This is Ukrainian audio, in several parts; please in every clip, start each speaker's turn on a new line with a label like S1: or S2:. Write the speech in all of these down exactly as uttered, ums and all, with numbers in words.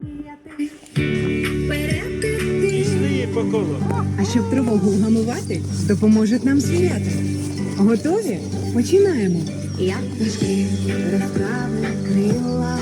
S1: Пішли по колу.
S2: А щоб тривогу вгамувати, допоможуть нам звірята. Готові? Починаємо. Як пташки розправи крила.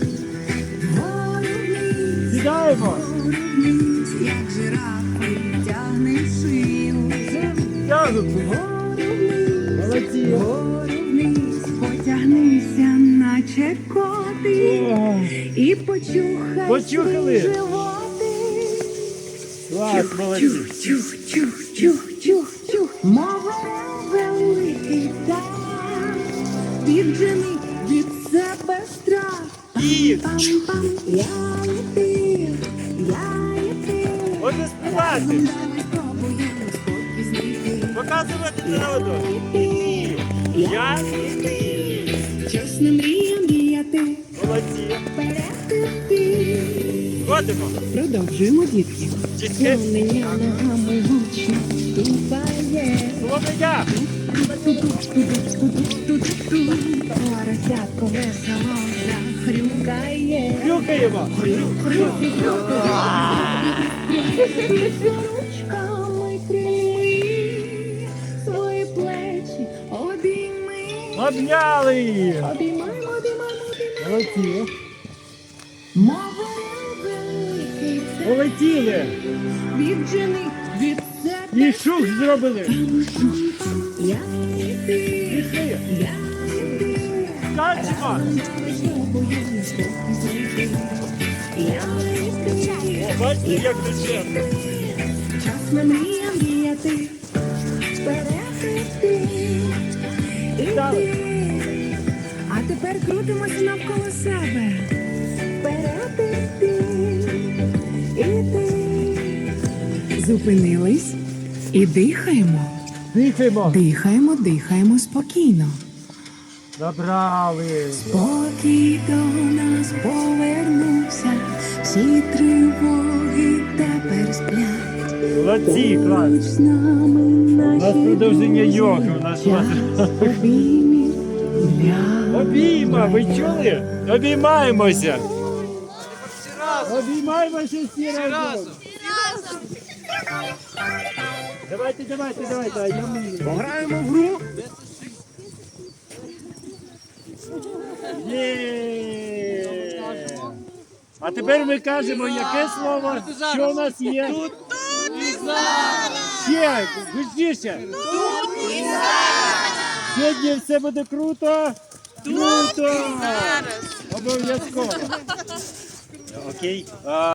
S2: Вгору-вниз,
S1: Сідаємо.
S2: вгору-вниз, як жирафи тягне шию.
S1: Тягнуть.
S2: Вгору-вниз,
S1: Молодці.
S2: вгору-вниз, потягнися, наче котик,
S1: Ой,
S2: і почухай
S1: Почухали.
S2: свій животик.
S1: клас, молодці.
S2: Чух, чух, чух, чух, чух, чух. Мова великий дар, віджени від себе страх.
S1: І
S2: Пам-пам, я летив, я летив.
S1: можна співати.
S2: Давай спробуємо спокій знайти.
S1: Показувати народу.
S2: Я
S1: Я
S2: чесно мріям діяти,
S1: молодці.
S2: вперед іти.
S1: Ходимо.
S2: Продовжуємо, дітки.
S1: Дітки.
S2: Мене ногами гучно ступає.
S1: Слободя.
S2: Поросятко весело захрюкає.
S1: Хрюкаємо.
S2: Ручками крильми, свої плечі обійми.
S1: Обняли її.
S2: Обіймаємо, обіймаємо, обіймаємо.
S1: Молодці.
S2: Мови великий це
S1: Полетіли.
S2: віджени від себе.
S1: І шух зробили.
S2: Я йти,
S1: Пішли.
S2: я йти.
S1: Скачемо. О, бачите, як дешевно.
S2: Час на мріям діяти, вперед іти, іти. А тепер крутимося навколо себе. Вперед іти, іти. Зупинились і дихаємо.
S1: Дихаємо.
S2: Дихаємо, дихаємо спокійно.
S1: Забрали.
S2: Спокій до нас повернувся, всі тривоги тепер сплять.
S1: Молодці, клас.
S2: Поруч з нами
S1: У
S2: наші
S1: нас продовження
S2: друзі.
S1: йоги. У нас
S2: Час обіймів для
S1: обійма, ви чули? Обіймаємося. Обіймаємося всі разом. Давайте, давайте, давайте. а я мені.
S3: Пограємо в гру.
S1: Є. А тепер ми кажемо, яке слово, що у нас є. Тут і зараз. Ще, гучніше. Тут і зараз. Сьогодні все буде круто. Круто. Обов'язково. Окей. А,